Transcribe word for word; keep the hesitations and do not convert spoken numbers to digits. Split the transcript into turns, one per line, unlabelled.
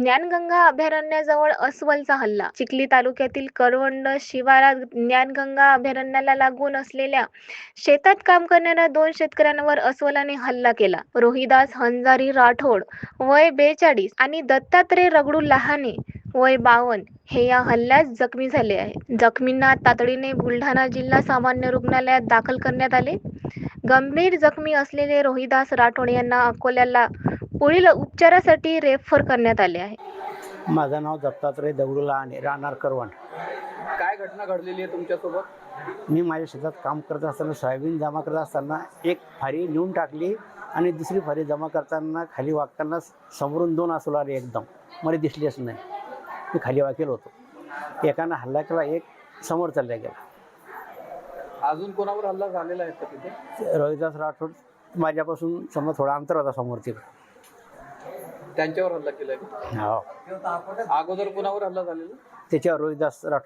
ज्ञानगंगा अभयारण्याजवळ अस्वलचा हल्ला. चिखली तालुक्यातील करवंड शिवारात ज्ञानगंगा अभयारण्याला लागून असलेल्या शेतात काम करणाऱ्या दोन शेतकऱ्यांवर अस्वलाने हल्ला केला. रोहिदास हंजारी राठोड वय बेचाळीस आणि दत्तात्रय रगडू लहाने वय बावन्न हे या हल्ल्यात जखमी झाले आहेत. जखमींना तातडीने बुलढाणा जिल्हा सामान्य रुग्णालयात दाखल करण्यात आले. गंभीर जखमी असलेले रोहिदास राठोड यांना अकोल्याला पुढील उपचारासाठी रेफर करण्यात आले आहे.
माझं नाव दत्तात्रय दगडू लहाने, राहणार करवंड.
काय घटना घडलेली आहे तुमच्यासोबत?
मी माझ्या शेतात काम करत असताना सोयाबीन जमा करत असताना एक फारी नेऊन टाकली आणि दुसरी फारी जमा करताना खाली वागताना समोरून दोन अस्वल आले. एकदम मला दिसलेच नाही. मी खाली वाकेल होतो. एकानं हल्ला केला, एक समोर चालला गेला.
अजून कोणावर हल्ला झालेला आहे का तिथे?
रोहिदास राठोड माझ्यापासून समजा थोडा अंतर होता समोर तिकडं.
त्यांच्यावर हल्ला केलाय का?
हो,
अगोदर कोणावर हल्ला झालेला?
त्याच्यावर रोहिदास राठोड